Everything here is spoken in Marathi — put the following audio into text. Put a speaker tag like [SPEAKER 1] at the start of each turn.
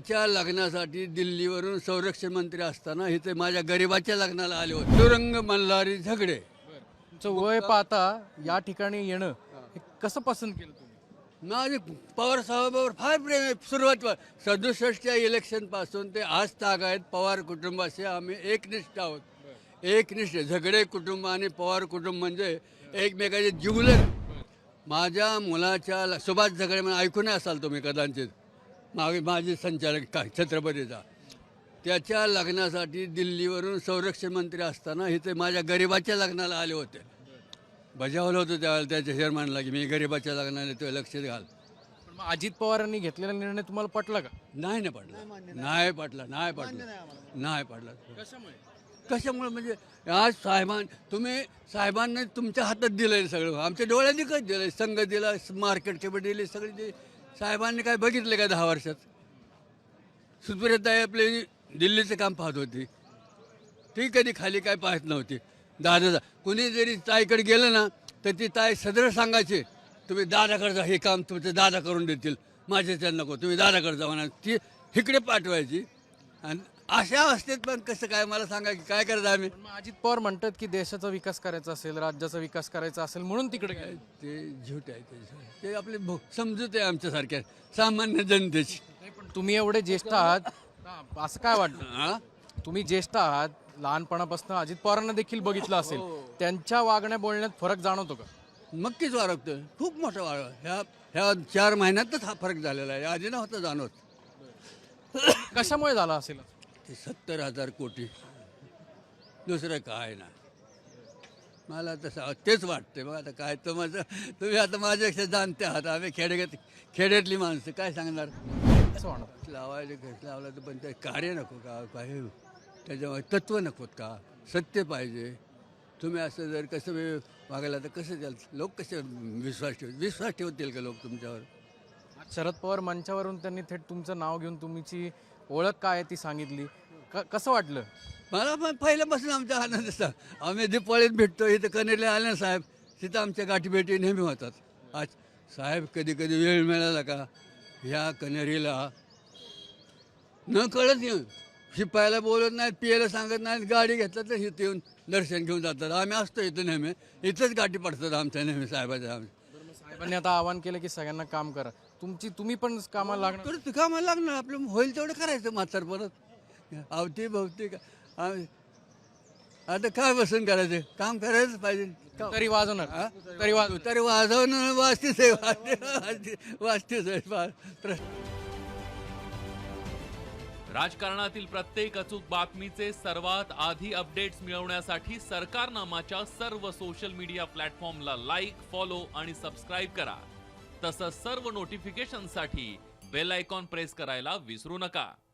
[SPEAKER 1] मुलाच्या लग्नासाठी दिल्लीवरून संरक्षण मंत्री असताना इथे माझ्या गरिबाच्या लग्नाला आले होते. तुरंग मल्हारी झगडे.
[SPEAKER 2] तुमचं वय पाहता या ठिकाणी येणं हे कसं पसंत केलं तुम्ही?
[SPEAKER 1] माझे पवार साहेबांवर फार प्रेम आहे. सुरुवात 67च्या इलेक्शनपासून ते आज तागायत पवार कुटुंबाशी आम्ही एकनिष्ठ आहोत. एकनिष्ठ. झगडे कुटुंब आणि पवार कुटुंब म्हणजे एकमेकाचे जिवलग. माझ्या मुलाच्या सुभाष झगडे म्हणून ऐकून असाल तुम्ही कदाचित, माझे संचालक काय छत्रपतीचा, त्याच्या लग्नासाठी दिल्लीवरून संरक्षण मंत्री असताना इथे माझ्या गरिबाच्या लग्नाला आले होते. बजावलं होतं त्यावेळेला त्याच्या चेअरमॅनला की मी गरिबाच्या लग्नाला तो लक्ष घाल.
[SPEAKER 2] पण मग अजित पवारांनी घेतलेला निर्णय तुम्हाला पटला का?
[SPEAKER 1] नाही पडला. नाही पडला. नाही पडला. नाही पडला.
[SPEAKER 2] कशामुळे?
[SPEAKER 1] कशामुळे म्हणजे आज तुम्ही साहेबांनी तुमच्या हातात दिलं सगळं, आमच्या डोळ्यांनी काय दिलं, संघ दिला, मार्केट कमिटी दिली, सगळी दिली. साहेबांनी काय बघितलं का 10 वर्षात? सुप्रियाताई आपली दिल्लीचं काम पाहत होती, ती कधी खाली काय पाहत नव्हती. दादा कुणी जरी ताईकडे गेलं ना तर ती ताई सदर सांगायची तुम्ही दादाकडे जा, हे काम तुमचे दादा करून देतील, माझ्याच्या नको, तुम्ही दादाकडे जा म्हणा. ती इकडे पाठवायची. आणि अशा अवस्थेत पण कसं काय मला सांगा की काय करायचं आम्ही?
[SPEAKER 2] पण मग अजित पवार म्हणतात की देशाचा विकास करायचा असेल, राज्याचा विकास करायचा असेल म्हणून तिकडे गेले.
[SPEAKER 1] ते झूट आहे. ते आपले समजूत आहे आमच्यासारख्या सामान्य जनतेची.
[SPEAKER 2] नाही, पण तुम्ही एवढे ज्येष्ठ आहात, असं काय वाटतं?
[SPEAKER 1] हां,
[SPEAKER 2] तुम्ही ज्येष्ठ आहात, लहानपणापासून अजित पवारांना देखील बघितलं असेल, त्यांच्या वागण्या बोलण्यात फरक जाणवतो का?
[SPEAKER 1] नक्कीच वाढवतं. खूप मोठा वाढ. ह्या 4 महिन्यातच हा फरक झालेला आहे. आधी नव्हता जाणवत.
[SPEAKER 2] कशामुळे झाला असेल?
[SPEAKER 1] ते 70,000 कोटी, दुसरं काय ना. मला तसं तेच वाटते. मग आता काय तुम्ही आता माझ्यापेक्षा जाणते आहात. आम्ही खेड्यातली माणसं काय सांगणार.
[SPEAKER 2] असं वाटतं.
[SPEAKER 1] लावायला घट लावला तर पण ते कार्य नको का, काय त्याच्यामुळे तत्त्व नकोत का, सत्य पाहिजे. तुम्ही असं जर कसं वागायला तर कसं द्याल, लोक कसे विश्वास ठेवतील का लोक तुमच्यावर?
[SPEAKER 2] आज शरद पवार मंचावरून त्यांनी थेट तुमचं नाव घेऊन तुमची ओळख काय आहे ती सांगितली. कसं वाटलं?
[SPEAKER 1] मला पण पहिल्यापासून आमचा आनंद असता. आम्ही दिपावळीत भेटतो इथं कनेरला आले ना साहेब, तिथं आमच्या गाठीभेटी नेहमी होतात. आज साहेब कधी कधी वेळ मिळाला का ह्या कनेरीला न कळत येऊन शिपायला बोलत नाहीत, पियाला सांगत नाहीत, गाडी घेतलं तर इथं येऊन दर्शन घेऊन जातात. आम्ही असतो इथं नेहमी, इथंच गाठी पडतात आमच्या नेहमी साहेबाच्या. आम्ही
[SPEAKER 2] साहेबांनी आता आवाहन केलं की सगळ्यांना काम करा, तुम्ही पण कामाला लागणार.
[SPEAKER 1] परत कामाला लागणार, आपलं होईल तेवढं करायचं म्हातार परत अवती भवती का. आता काय बसून करायचं, काम करायचं पाहिजे.
[SPEAKER 2] तरी वाजवणार.
[SPEAKER 1] हा?
[SPEAKER 2] तरी
[SPEAKER 1] वाजवणं वाजतेच आहे. वाजतेच आहे.
[SPEAKER 3] राजकारणातील प्रत्येक अचूक बातमीचे सर्वात आधी अपडेट्स मिळवण्यासाठी सरकारनामाच्या सर्व सोशल मीडिया प्लॅटफॉर्मला लाईक, फॉलो आणि सबस्क्राईब करा. तसंच सर्व नोटिफिकेशनसाठी बेल आयकॉन प्रेस करायला विसरू नका.